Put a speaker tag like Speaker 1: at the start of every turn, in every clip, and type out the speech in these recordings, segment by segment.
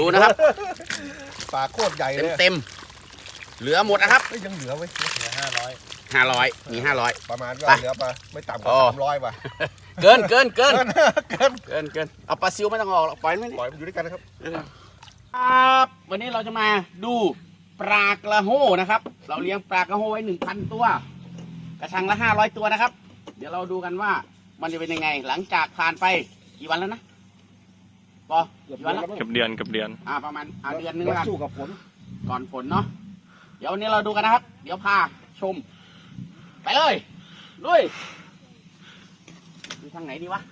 Speaker 1: ดูนะครับ
Speaker 2: ปลาโคตรใหญ่เลย
Speaker 1: เต็มเหลือหมดนะครับ
Speaker 2: ยังเหลือไว้เหลือ
Speaker 1: 500มี500
Speaker 2: ประมาณว่าเหลือปลาไม่ต่ำกว่า300ป่ะ
Speaker 1: เกินเอาปลาซิวไม่ต้องออกหรอกปล่อยมัน
Speaker 2: ปล่อยมันอยู่ด้วยกันนะครับ
Speaker 1: ครับวันนี้เราจะมาดูปลากระโห้นะครับ เราเลี้ยงปลากระโห้ไว้ 1,000 ตัว กระชังละ500ตัวนะครับ เดี๋ยวเราดูกันว่ามันจะเป็นยังไง หลังจากผ่านไปกี่วันแล้วนะปอกี่วันแล้ว
Speaker 3: กับเดือน
Speaker 1: ประมาณเดือนนึงแล้วกัน
Speaker 2: สู้กับฝน
Speaker 1: ก่อนฝนเนาะเดี๋ยววันนี้เราดูกันนะครับ เดี๋ยวพาชม ไปเลยลุยดูทางไหนดีวะ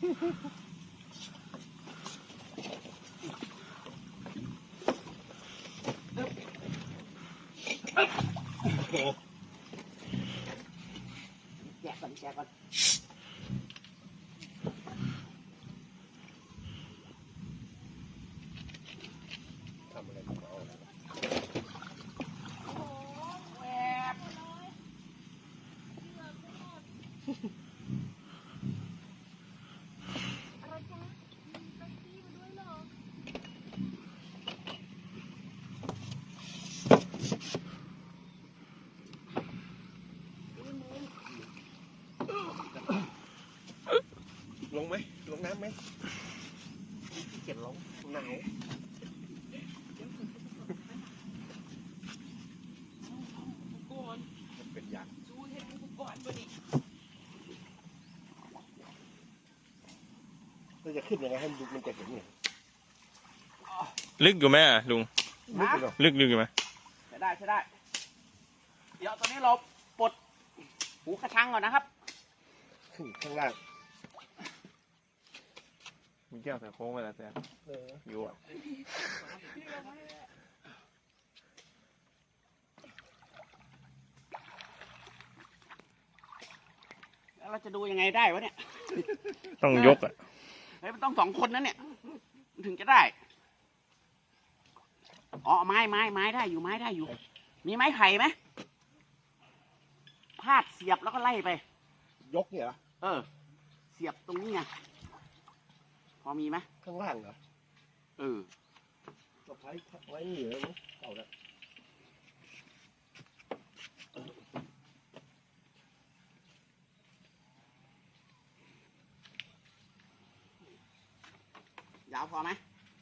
Speaker 1: แจกก่อน
Speaker 2: ทำอะไรกับเขา ลงไหมลงน้ำไหม
Speaker 1: เก็บลง
Speaker 2: หนาวเป็นยากเราจะขึ้นยังไงให้มันจะเห็นเนี่ย
Speaker 3: ลึกอยู่ไหมลุง
Speaker 2: ลึกไปหรอ
Speaker 3: ลึกอยู่ไหม
Speaker 1: ใช้ได้ เดี๋ยวตอนนี้เราปลดหูกระชังก่อนนะครับ
Speaker 2: ขึ้นข้างล่าง
Speaker 3: มีแก้วใส่โค้งไปแล้วแต่อยู่อ่ะ
Speaker 1: แล้วเราจะดูยังไงได้วะเนี่ย
Speaker 3: ต้องยกอ่ะ
Speaker 1: เฮ้ยมันต้อง2 คนนั้นเนี่ยมันถึงจะได้อ๋อไม้ได้อยู่มีไม้ไผ่ไหมพาดเสียบแล้วก็ไล่ไป
Speaker 2: ยกเนี่ยเหรอ
Speaker 1: เสียบตรงนี้ไงพอมีไหม
Speaker 2: ข้างล่างเหรอ
Speaker 1: ก็
Speaker 2: ไว้เหนือมั้งเอาละ
Speaker 1: ยาวพอไหม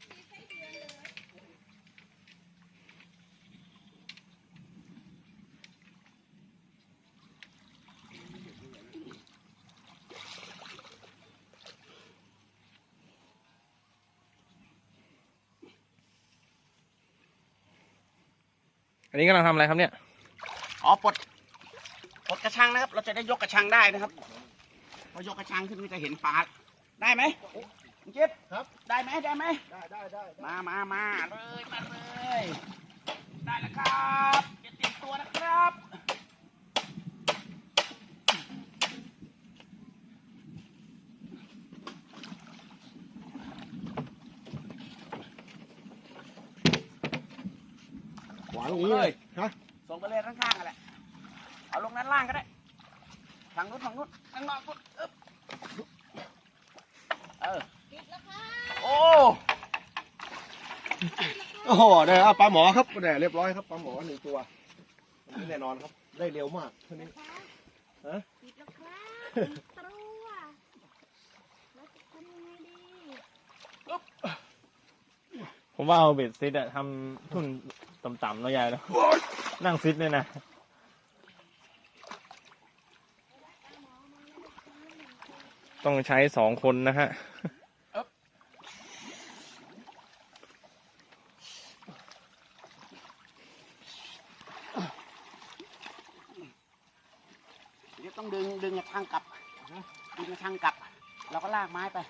Speaker 3: อันนี้กำลังทำอะไรครับเนี่ย
Speaker 1: ปลดกระชังนะครับ เราจะได้ยกกระชังได้นะครับพอยกกระชังขึ้นก็จะเห็นปลาได้ไหมคุณจิ๊บ
Speaker 2: ครับ
Speaker 1: ได้ไหม
Speaker 2: ได้
Speaker 1: มาเลยได้แล้วครับจะเตรียมตัวนะครับ
Speaker 2: ขวาตรงนี้เลยฮะ
Speaker 1: ส่งไปเลยข้างๆกันแหละเอาลงด้านล่างก็ได้ฝั่งนู้นข้างนอกนู้นโอ้
Speaker 2: โอ้โหได้ครับปลาหมอครับได้เรียบร้อยครับปลาหมอ1 ตัวอันนี้แน่นอนครับได้เร็วมากเท่านี้ฮะ
Speaker 4: ติดแล้วครับติดตัวแล้วจะทำยังไงดี
Speaker 3: ผมว่าเอาเบ็ดซิดอะทำทุ่นต่ำๆเนาะยายเนาะนั่งซิดเนี่ยนะต้องใช้2 คนนะฮะ
Speaker 1: เดี๋ยวต้องดึงกระชังกลับเราก็ลากไม้ไป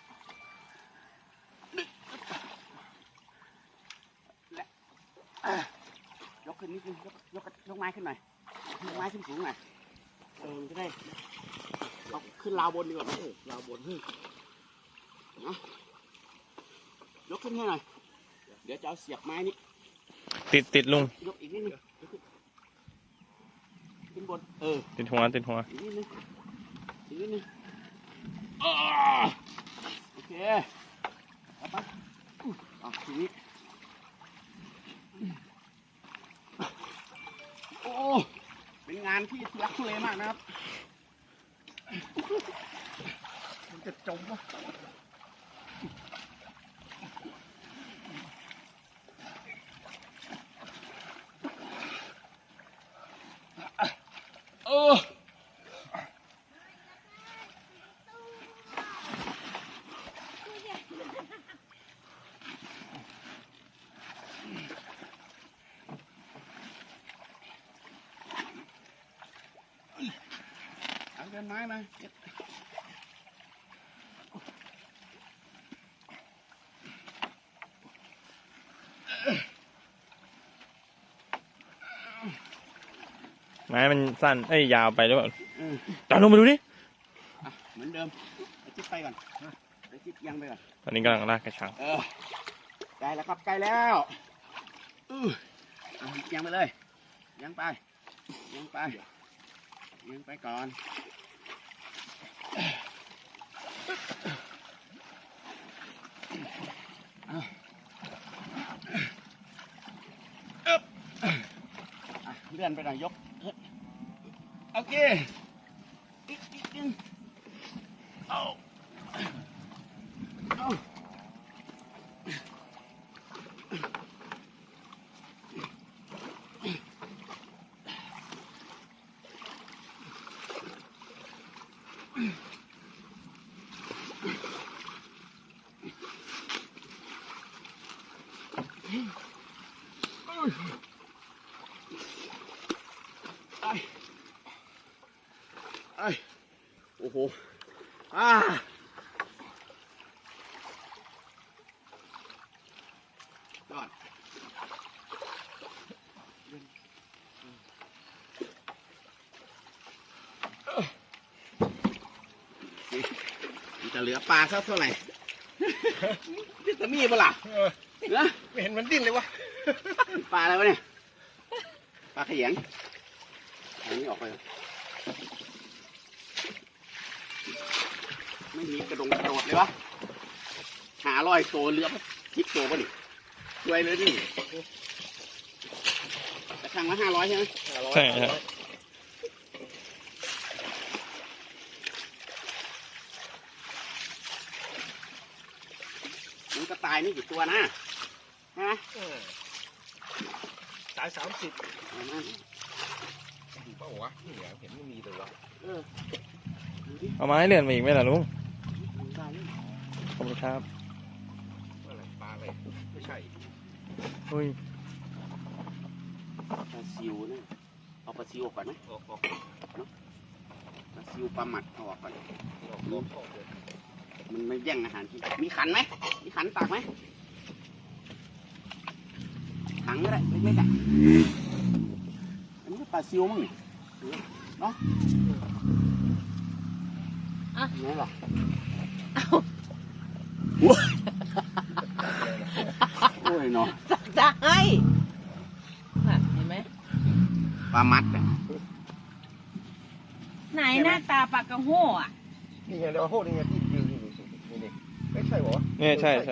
Speaker 1: ยกขึ้นนิดนึงยกไม้ขึ้นหน่อยยกไม้ขึ้นสูงหน่อยมันจะได้เอาขึ้นราวบนดีกว่าราวบนนะยกขึ้นให้หน่อยเดี๋ยวจะเอาเสียบไม้นี้
Speaker 3: ติดลุง
Speaker 1: ยกอีกนิดนึงขึ้นบน
Speaker 3: ติดหัว
Speaker 1: อีกนิดนึงโอเคเอาไปทีนี้โอ้เป็นงานที่ทุลักทุเลมากนะครับ
Speaker 2: มันจะจมวะ
Speaker 1: เออเอาเดินไม้มาเก็บ
Speaker 3: ไม้มันสั้นยาวไปหรือเปล่า
Speaker 1: เออ
Speaker 3: จอดลงมาดูดิ
Speaker 1: อ่ะเหมือนเดิมไปจิ๊บไปก่อนไปจิ๊บยังไปก่อน
Speaker 3: ตอนนี้กำลังลากกระชัง
Speaker 1: ใกล้แล้วครับใกล้แล้วยังไปเลยยังไปยังไปยังไปก่อนเลื่อนไปหน่อยยกโอเคอีกนึงเอาโอ้โหยอดมันจะเหลือปลาสักเท่าไหร่จะมีปะล่ะนะ
Speaker 2: ไม่เห็นมันดิ้นเลยวะ
Speaker 1: ปลาอะไรวะเนี่ยปลาขยงอันนี้ออกไปไม่มีกระโดดเลยวะ500ตัวเรือ10 ตัวป่ะนี่ช่วยเลยดิกระชังละ500ใช่ไหม
Speaker 3: ใช่ใช่
Speaker 1: มันก็ตายนี่กี่ตัวนะใช่ไหม
Speaker 2: สาย30
Speaker 1: เอามา
Speaker 2: เปล่าวะนี่เห็นไม่มีเลยวะ
Speaker 1: เออดูดิ
Speaker 3: เอาไม้เลื่อนมาอีกไหมล่ะลุง
Speaker 1: มันได้ยัง
Speaker 3: ขอบคุณครับ
Speaker 2: อะไรปลาอะไรไม่ใช่
Speaker 3: อุ้ย
Speaker 1: ปลาซิวนะเอาปลาซิวออกก่อนไหม
Speaker 2: ออก
Speaker 1: ปลาซิวปลาหมัดเอาออกก่อน
Speaker 2: เลย
Speaker 1: มันไม่แย่งอาหารกินมีขันไหมมีขันตักไหมถังก็ได้เล็กๆอ่ะอันนี้ก็ปลาซิวมั้งนี่เนาะไหนหรอโอ้ยเนาะ
Speaker 5: ได้น่ะเห็นไหม
Speaker 1: ปลามัดอ่ะ
Speaker 5: ไหนหน้าตาปลากระโห่อะ
Speaker 2: นี่ไงเดี๋ยวโทษนี่ไงที่ยืนนี่ไม่ใช่หรอ
Speaker 3: เนี่ยใช่
Speaker 1: ไหน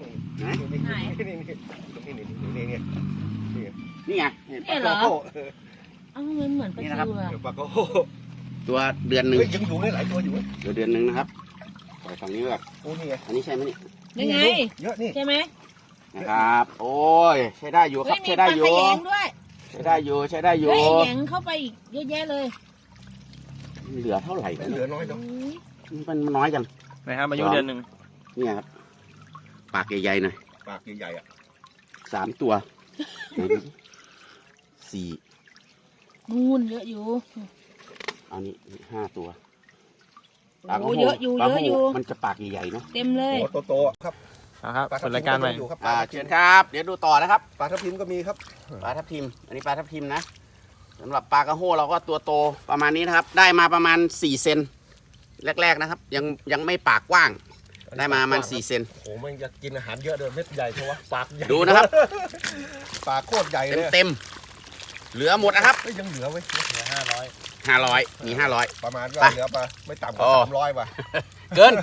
Speaker 2: นี่
Speaker 1: นี่ไงเห็น
Speaker 5: เนี่ยเหรอเอ้ามันเหมือนปลาซิวอะ
Speaker 2: เดี๋ยวปลาก็
Speaker 1: ตัวเดือนหนึ่ง
Speaker 2: ยังอยู่ได้หลายตัวอยู่
Speaker 1: เดือนหนึ่งนะครับปล่อยฝั่งนี้แบบ
Speaker 2: โอ้นี่ไง
Speaker 1: อันนี้ใช่ไหมนี่
Speaker 5: ยังไง
Speaker 2: เยอะนี่
Speaker 5: ใช่ไหม
Speaker 1: นะครับ โอ้ยใช้ได้อยู่ค
Speaker 5: เฮ้
Speaker 1: รั
Speaker 5: ย
Speaker 1: บ
Speaker 5: มี
Speaker 1: ใช้
Speaker 5: ป
Speaker 1: ได้
Speaker 5: ลา
Speaker 1: อ
Speaker 5: ข
Speaker 1: ยู่
Speaker 5: ยงด้วย
Speaker 1: ใช้ได้อยู่ใช้ได้อยู่
Speaker 5: เฮ้ยแหยงเข้าไปอีกเยอะแยะเลย
Speaker 1: เหลือเท่าไหร่
Speaker 2: เหลือน้อยจัง
Speaker 1: มันน้อยจัง
Speaker 3: นะครับอายุเดือนหนึ่ง
Speaker 1: เนี่ยครับปากใหญ่ๆหน่อย
Speaker 2: ปากใหญ่ๆอ่ะ
Speaker 1: 3 ตัวไหนดูสิสี่
Speaker 5: นู่นเยอะอยู่
Speaker 1: เอานี่5 ตัว
Speaker 5: โอ้เยอะอยู่
Speaker 1: ปลา
Speaker 5: เยอะอยู่
Speaker 1: มันจะปากใหญ่ๆเนาะ
Speaker 5: เต็มเลย
Speaker 2: โตๆครับ
Speaker 3: นะครับเปิดรายการใหม่
Speaker 2: อยู่ครับ
Speaker 1: เชิญครับ เดี๋ยวดูต่อนะครับ
Speaker 2: ปลาทับทิมก็มีครับ
Speaker 1: ปลาทับทิม อันนี้ปลาทับทิมนะสำหรับปลากระโห้เราก็ตัวโตประมาณนี้นะครับ ได้มาประมาณ4 เซนแรกๆนะครับ ยังไม่ปากกว้าง ได้มาประมาณ4 เซน
Speaker 2: โอ้มันจะกินอาหารเยอะเลยเม็ดใหญ่เพราะว่าปากใหญ่
Speaker 1: ดูนะครับ
Speaker 2: ปากโคตรใหญ่เลย
Speaker 1: เต็มเหลือหมดนะครับ
Speaker 2: ยังเหลือไว้
Speaker 3: เหลือ500
Speaker 1: 500มี500
Speaker 2: ประมาณว่า
Speaker 1: ไป
Speaker 2: เหลือปลาไม่ต่ำก
Speaker 1: โอ้
Speaker 2: ว่า300ป่ะ
Speaker 1: เกิน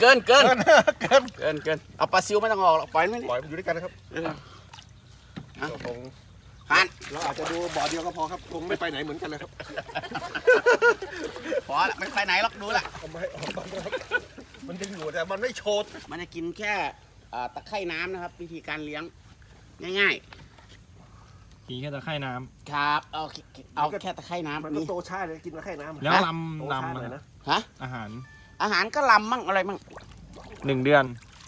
Speaker 1: เอาปลาซิวไม่ต้องออกหรอกปล่อยมันไว้
Speaker 2: ปล่อยมันอยู่ด้วยกันนะครับ
Speaker 1: นี่
Speaker 2: ตรง
Speaker 1: ผ่าน
Speaker 2: เราอาจจะดูบ่อเดียวก็พอครับคงไม่ไปไหนเหมือนกันเลยครับ
Speaker 1: พอละไม่ไปไหนหรอกดูละ
Speaker 2: ทำไมออกมาครับมันยังอยู่แต่มันไม่โชด
Speaker 1: มันจะกินแค่ตะไคร่น้ำนะครับ วิธีการเลี้ยงง่าย
Speaker 3: กินแค่ตะไคร่น้
Speaker 1: ๆครับเอาแค่ตะไคร่น้ำ
Speaker 2: มันก็
Speaker 1: นี่
Speaker 2: โตช้าเลยกินมาแค่น้ำ
Speaker 3: ำแล้ว
Speaker 2: โต
Speaker 3: ลำ
Speaker 2: ช้า
Speaker 3: ลำ
Speaker 2: เลย
Speaker 3: นะ
Speaker 2: นะ
Speaker 1: ฮะ
Speaker 3: อาหาร
Speaker 1: อาหารก็ลำมั่งอะไรมั่ง
Speaker 3: 1 เดือน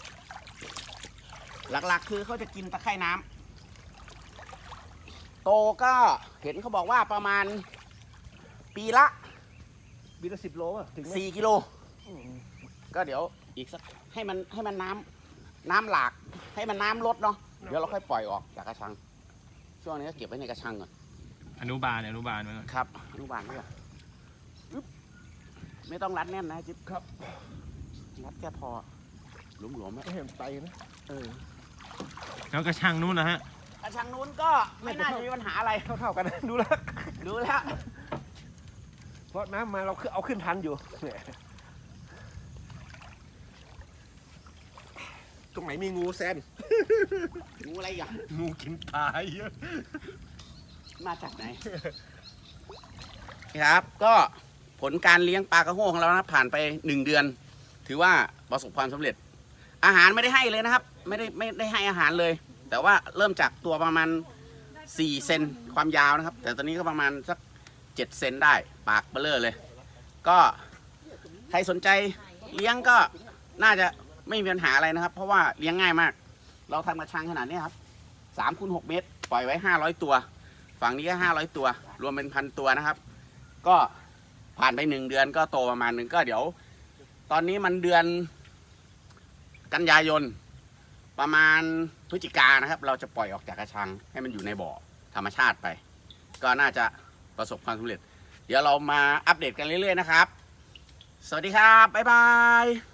Speaker 1: หลักๆ คือเขาจะกินตะไคร่น้ำโตก็เห็นเขาบอกว่าประมาณปีละ
Speaker 2: ปีละ10 โลอ่ะถึงไหม
Speaker 1: 4 กิโล ก็เดี๋ยวอีกสักให้มันน้ำหลาก ให้มันน้ำลดเนาะเดี๋ยวเราค่อยปล่อยออกจากกระชัง ช่วงนี้ก็เก็บไว้ในกระชังก่อน
Speaker 3: อนุบาลไว้ก่อน
Speaker 1: ครับอนุบาลด้วยอึ๊บไม่ต้องรัดแน่นนะจิ๊บครับรัดแค่พอหลวมๆ
Speaker 2: ไม่เห็นไตนะ
Speaker 3: แล้วกระชังนู้นนะฮะ
Speaker 1: กระชังนู้นก็ไม่น่าจะมีปัญหาอะไร
Speaker 2: เท่าๆกันนะดูแล้ว
Speaker 1: ดูแล้ว
Speaker 2: เพราะน้ำมาเราเอาขึ้นทันอยู่เนี่ยตรงไหนมีงูแซน
Speaker 1: งูอะไรอย่าง
Speaker 2: งูกินปลาเยอะ
Speaker 1: มาจากไหน ครับก็ผลการเลี้ยงปลากระโห้ของเรานะผ่านไป1 เดือน ถือว่าประสบความสำเร็จ อาหารไม่ได้ให้เลยนะครับ ไม่ได้ให้อาหารเลย แต่ว่าเริ่มจากตัวประมาณ4 เซนความยาวนะครับ แต่ตอนนี้ก็ประมาณสัก7 เซนได้ปากเบลอเลย ก็ใครสนใจเลี้ยงก็น่าจะไม่มีปัญหาอะไรนะครับ เพราะว่าเลี้ยงง่ายมาก เราทำกระชังขนาดนี้ครับ3 คูณ 6 เมตร ปล่อยไว้500 ตัว ฝั่งนี้ก็500 ตัว รวมเป็น1,000 ตัวนะครับ ก็ผ่านไป1 เดือนก็โตประมาณนึงก็เดี๋ยว ตอนนี้มันเดือนกันยายนประมาณพฤศจิกายนนะครับ เราจะปล่อยออกจากกระชังให้มันอยู่ในบ่อธรรมชาติไป ก็น่าจะประสบความสำเร็จ เดี๋ยวเรามาอัปเดตกันเรื่อยๆนะครับ สวัสดีครับ บ๊ายบาย